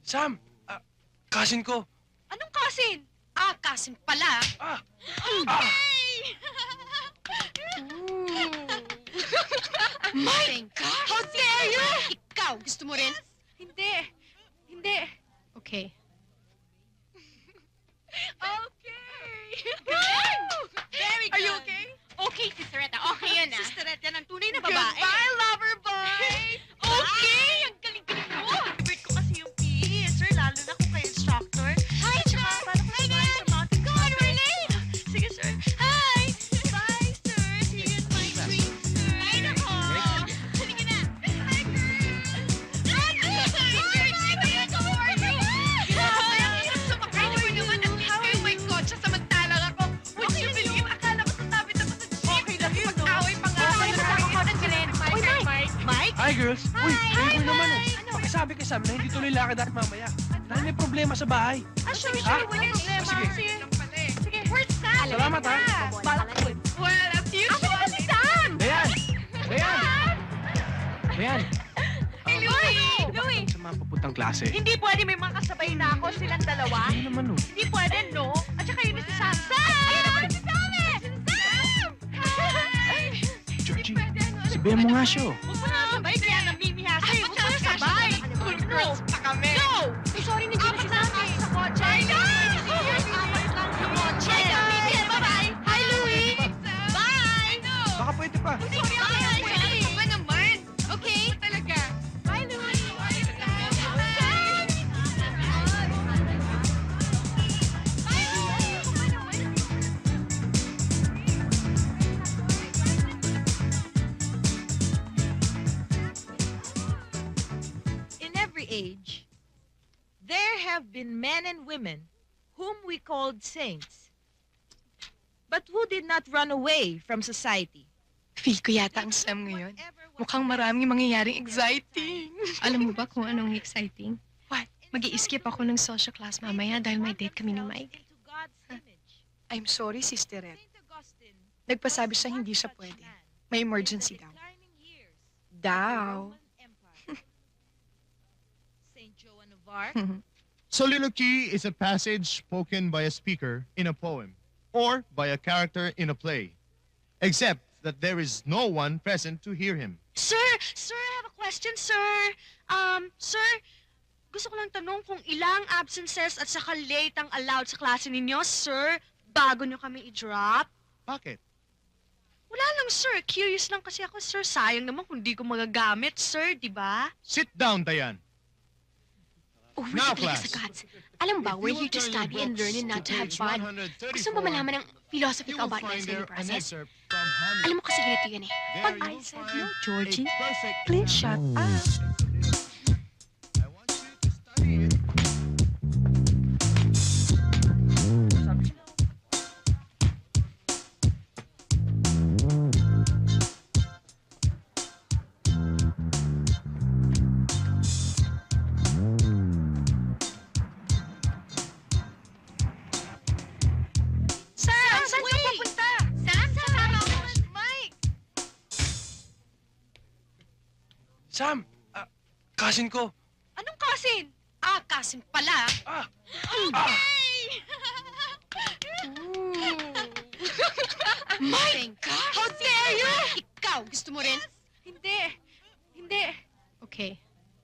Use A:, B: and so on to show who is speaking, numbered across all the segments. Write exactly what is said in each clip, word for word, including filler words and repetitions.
A: Sam! Ah, cousin ko!
B: Anong cousin? Ah, cousin pala.
A: Ah!
B: Okay! My gosh! How dare you! Ikaw, gusto mo rin? Hindi. Hindi. Okay. Okay! Very good!
C: Are you okay?
B: Okay, Sisteretta. Okay yan ah.
C: Sisterette yan ang tunay na babae.
B: Goodbye, lover boy! Okay! Ang galing-galing mo!
C: Favorite ko kasi yung P E, sir, lalo na kung kayo instructor.
B: Hi,
C: Tsaka,
B: sir!
C: paano ko
B: Hi,
C: samahan
B: Nan!
C: sa mountain
B: Go on, we're
C: climbing?
B: late!
C: Sige, sir.
B: Hi!
C: Bye, sir. See you in my dreams, sir.
B: Ay, nako! Sige na! Hi, girl! Hi, girl! Sino yan? How are you? Grabe, ang hirap sumakay mo naman. At least kayo may kotse samantalang ako. Would you believe? Akala ko sasabit ako sa jeep.
C: Okay lang yun, no?
B: Pag-away pa nga.
C: Okay lang ako.
B: Nandiyan, Mike,
C: Uy,
B: Mike.
C: Mike?
A: Hi, girls! Uy,
B: Hi,
A: Playboy naman eh.
B: Ano?
A: Pakisabi kay Sam na hindi tuloy lakad natin mamaya. Dahil may problema sa bahay.
C: Ah, sure,
A: Ha?
C: sure. Wala problema.
A: Sige.
C: Sige.
B: Sige, where's Sam?
A: Salamat, ha?
B: Balakod. Well, as usual. Asa si Sam?
A: Dayan! Dayan! Dayan!
B: Hey, Louie!
C: Louie!
A: Sa mga papuntang klase.
C: Hindi pwede may mga kasabay na ako, silang dalawa.
A: Ano naman, oh?
C: Hindi pwede, no? At saka yun si Sam. Sam!
B: Ayun naman si Sam eh! Sam! Hi!
A: Georgie, sabihan mo nga siya, oh.
C: Huwag mo na sabay, kaya namimihasa eh. Huwag mo na sabay.
B: Cool girls pa kami.
C: Go!
B: Ay, sorry, nandiyan na si Sam eh.
C: Sa kotse.
B: I know!
C: Apat lang sa kotse.
B: Hi, Sam! Bye-bye! Hi, Louie! Bye!
A: Baka pwede pa.
B: Sorry, bye! Ano ka ba naman? Okay? Talaga. Bye, Louie!
D: In every age, there have been men and women whom we called saints, but who did not run away from society.
E: Feel ko yata ang Sam ngayon. Mukhang maraming mangyayaring exciting.
F: Alam mo ba kung anong exciting?
E: What?
F: Mag-i-skip ako ng social class mamaya dahil may date kami ni Mike.
E: I'm sorry, Sister Red. Nagpasabi siya hindi siya pwede. May emergency daw. Daw.
D: Saint Joan of Arc.
G: Soliloquy is a passage spoken by a speaker in a poem or by a character in a play, except that there is no one present to hear him.
C: Sir! Sir, I have a question, sir. Um, sir, gusto ko lang tanong kung ilang absences at saka late ang allowed sa klase ninyo, sir, bago nyo kami i-drop.
G: Bakit?
C: Wala lang, sir. Curious lang kasi ako, sir. Sayang naman kung di ko magagamit, sir, di ba?
G: Sit down, Diane.
F: Oh,
G: Now,
F: wait,
G: class.
F: sa gods. Alam ba, we're here to study and learn and not to have fun. Gusto mo malaman ng philosophy ko about wrestling process? Alam mo kasi ganito yan eh. Pag I said no, Georgie, please shut up.
G: I want you to study it.
C: Sam! Saan ka pupunta?
B: Sam, kasama ako. Mike!
A: Sam! Ah, cousin ko!
B: Anong cousin? Ah, cousin pala.
A: Ah!
B: Okay! My gosh! How dare you! Ikaw, gusto mo rin?
C: Hindi. Hindi.
F: Okay.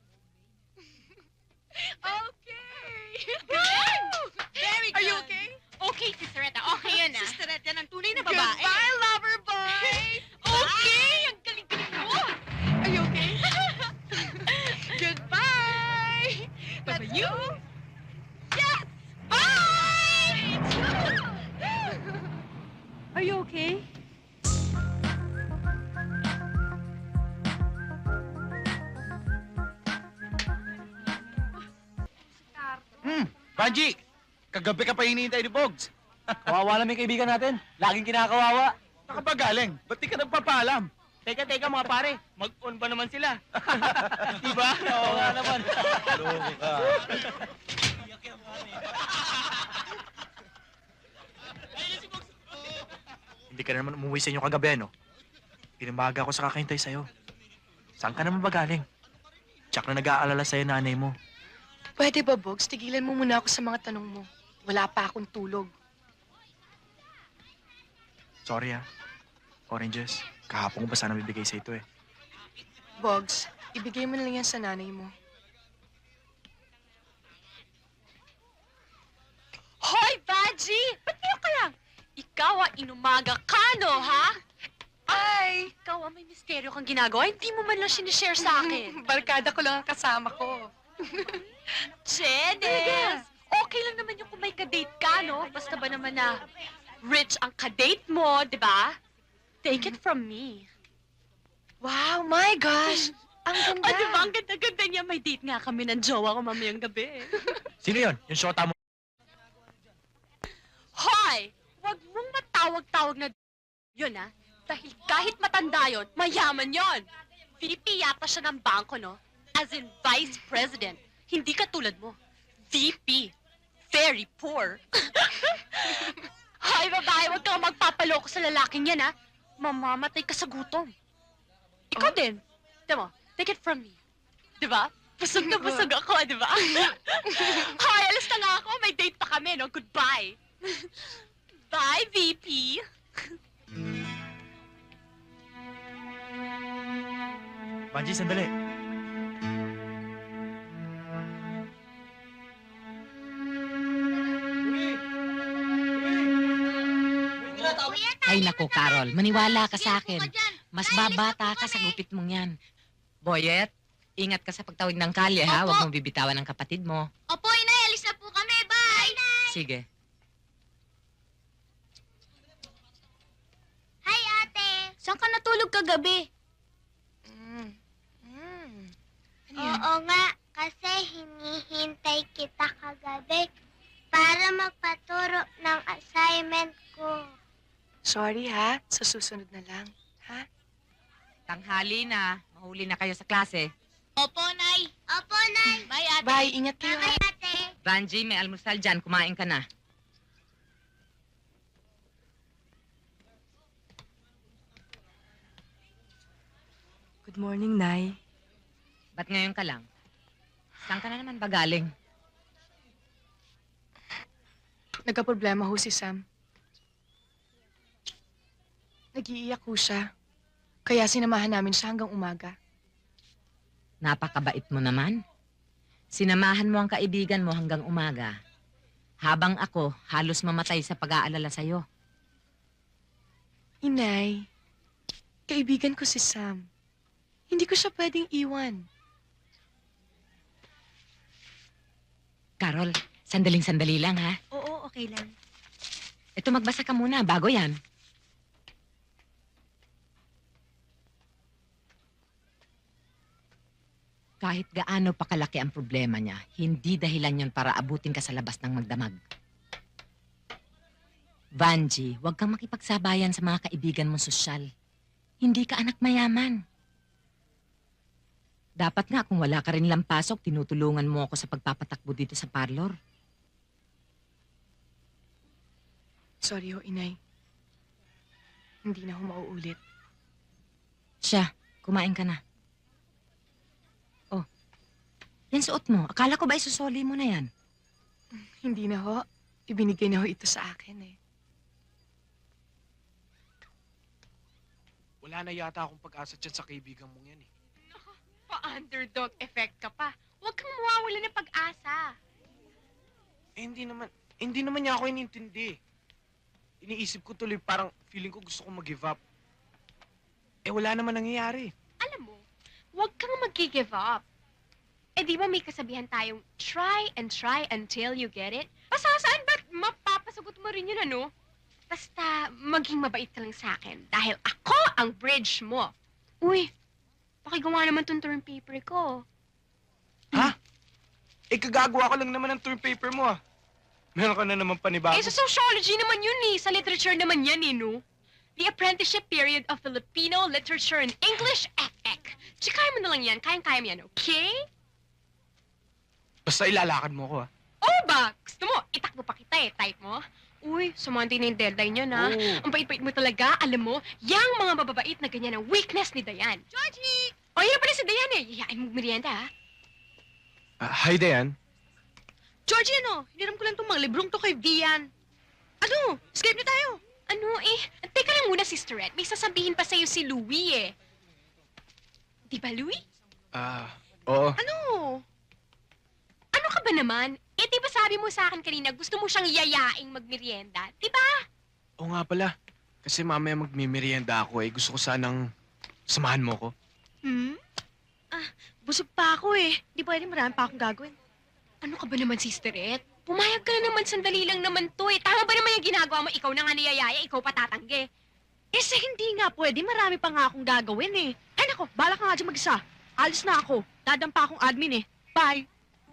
B: Okay! Very good!
C: Are you okay?
B: Okay, Sisteretta. Okay yan ah.
C: Sisterette yan ang tunay na babae.
B: Goodbye, lover boy! Okay! Ang galing-galing mo!
C: Are you okay?
B: Goodbye!
C: Bye-bye,
B: Let's
C: you.
B: go! Yes! Bye!
C: Are you okay?
H: Hmm, Banji! Kagabi ka pa hinihintay ni Bogs. Kawawa namin kaibigan natin. Laging kinakawawa. Saka ba galing? Ba't di ka nagpapaalam? Teka, teka mga pare. Mag-on ba naman sila? diba? Oo nga naman. Loko ka. Hindi ka na naman umuwi sa inyo kagabi, no? Pinamaga ako sa kakahintay sa'yo. Saan ka naman ba galing? Tsak na nag-aalala sa'yo nanay mo.
E: Pwede ba, Bogs? Tigilan mo muna ako sa mga tanong mo. Wala pa akong tulog.
H: Sorry ah. Oranges. Kahapon ko ba sana bibigay sa ito eh.
E: Bogs, ibigay mo na lang yan sa nanay mo.
C: Hoy, Baji! Ba't kayo ka lang? Ikaw ang inumaga ka, no, ha? Ay! Ikaw ang may misteryo kang ginagawa. Hindi mo man lang sinishare sa akin.
E: Barkada ko lang ang kasama ko.
C: Chedes! Okay lang naman yung kung may kadate ka, no? Basta ba naman na rich ang kadate mo, di ba? Take it from me.
E: Wow, my gosh! Ang ganda!
C: O, di ba? Ang ganda-ganda niya. May date nga kami ng jowa ko mamayang gabi.
H: Sino yun? Yung shota mo?
C: Hoy! Huwag mong matawag-tawag na yun, ha? Dahil kahit matanda yun, mayaman yon. V P yata siya ng bangko, no? As in Vice President. Hindi katulad mo. V P. Very poor. Hoy, babae, huwag kang magpapaloko sa lalaking yan, ha? Mamamatay ka sa gutom. Ikaw din. Diba? Take it from me. Diba? Busog na busog ako, diba? Hoy, alas na nga ako. May date pa kami, no? Goodbye. Bye, V P.
H: Banji, sandali.
I: Ay nako, Carol, maniwala ka sa akin. Mas babata ka sa gupit mong yan. Boyet, ingat ka sa pagtawid ng kalye, ha? Huwag mong bibitawan ng kapatid mo.
B: Opo, inay, alis na po kami. Bye!
I: Sige.
B: Hi, ate. Saan ka natulog kagabi?
E: Mm. Mm. Ano yan?
B: Oo nga, kasi hinihintay kita kagabi para magpaturo ng assignment ko.
E: Sorry ha, sa susunod na lang. Ha?
I: Tanghali na. Mahuli na kayo sa klase.
B: Opo, Nay. Opo, Nay. Bye, ate.
E: Bye, ingat kayo ha.
B: Bye, ate.
I: Banji, may almusal dyan. Kumain ka na.
E: Good morning, Nay.
I: Ba't ngayon ka lang? Saan ka na naman ba galing?
E: Nagka-problema ho si Sam. Nag-iiyak ho siya. Kaya sinamahan namin siya hanggang umaga.
I: Napakabait mo naman. Sinamahan mo ang kaibigan mo hanggang umaga. Habang ako, halos mamatay sa pag-aalala sa'yo.
E: Inay, kaibigan ko si Sam. Hindi ko siya pwedeng iwan.
I: Carol, sandaling-sandali lang, ha?
B: Oo, okay lang.
I: Ito, magbasa ka muna. Bago yan. Kahit gaano pa kalaki ang problema niya, hindi dahilan yon para abutin ka sa labas ng magdamag. Vanji, huwag kang makipagsabayan sa mga kaibigan mong sosyal. Hindi ka anak mayaman. Dapat nga kung wala ka rin lang pasok, tinutulungan mo ako sa pagpapatakbo dito sa parlor.
E: Sorry ho, Inay. Hindi na ho mauulit.
I: Siya, kumain ka na. Oh, yan suot mo. Akala ko ba isusoli mo na yan?
E: Hindi na ho. Ibinigay na ho ito sa akin eh.
A: Wala na yata akong pag-asa dyan sa kaibigan mong yan eh.
F: Pa-underdog effect ka pa. Huwag kang mawawala ng pag-asa.
A: Eh, hindi naman, hindi naman niya ako inintindi. Iniisip ko tuloy parang feeling ko gusto kong mag-give up. Eh, wala naman nangyayari.
F: Alam mo, huwag kang mag-give up. Eh di ba may kasabihan tayong try and try until you get it? Basta saan ba't mapapasagot mo rin yun, ano? Basta maging mabait ka lang sa akin dahil ako ang bridge mo. Uy, pakigawa naman tong term paper ko.
A: Eh, kagagawa ko lang naman ng term paper mo ah. Meron ka na naman panibago.
F: Eh, sa sociology naman yun eh. Sa literature naman yan eh, no? The Apprenticeship Period of Filipino Literature and English, F E C. Tsikaya mo na lang yan. Kayang-kaya mo yan, okay?
A: Basta ilalakad mo ko ah.
F: Oo ba? Gusto mo, itakbo pa kita eh. Type mo. Uy, sumandi na yung deadline niya na.
A: Oo.
F: Ang bait-bait mo talaga. Alam mo, yang mga mababait na ganyan ang weakness ni Dayan.
B: Georgie!
F: O, yan pala si Dayan eh. Yayain mo merienda, ha?
A: Ah, hi, Dayan.
C: Georgie, ano? Hiniram ko lang itong mga librong to kay Vian. Ano? Escape na tayo.
F: Ano eh? Teka lang muna, Sisterette. May sasabihin pa sa'yo si Louie eh. Di ba, Louie?
A: Ah, oo.
F: Ano? Ano ka ba naman? Eh, di ba sabi mo sa akin kanina, gusto mo siyang yayaing magmerienda? Di ba?
A: Oo nga pala. Kasi mamaya magmimerienda ako eh. Gusto ko sanang samahan mo ko.
C: Hmm? Ah, busog pa ako eh. Di pwede, marami pa akong gagawin.
F: Ano ka ba naman, Sisterette? Pumayag ka na naman, sandali lang naman to eh. Tama ba naman yung ginagawa mo? Ikaw na nga niyayaya, ikaw pa tatanggi.
C: Eh, sa hindi nga pwede, marami pa nga akong gagawin eh. Ay nako, bala ka nga dyan mag-isa. Alis na ako. Dadampa akong admin eh. Bye.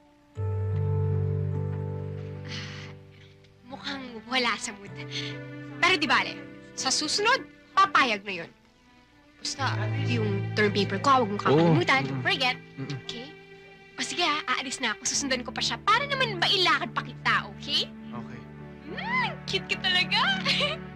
F: Mukhang wala sa mood. Pero di bale, sa susunod, papayag na yun. Basta, yung term paper ko, huwag mong kakalimutan. Don't forget.
A: Mm-mm.
F: Okay? O sige ha, aalis na ako. Susundan ko pa siya para naman mailakad pa kita, okay?
A: Okay.
F: Cute ka talaga.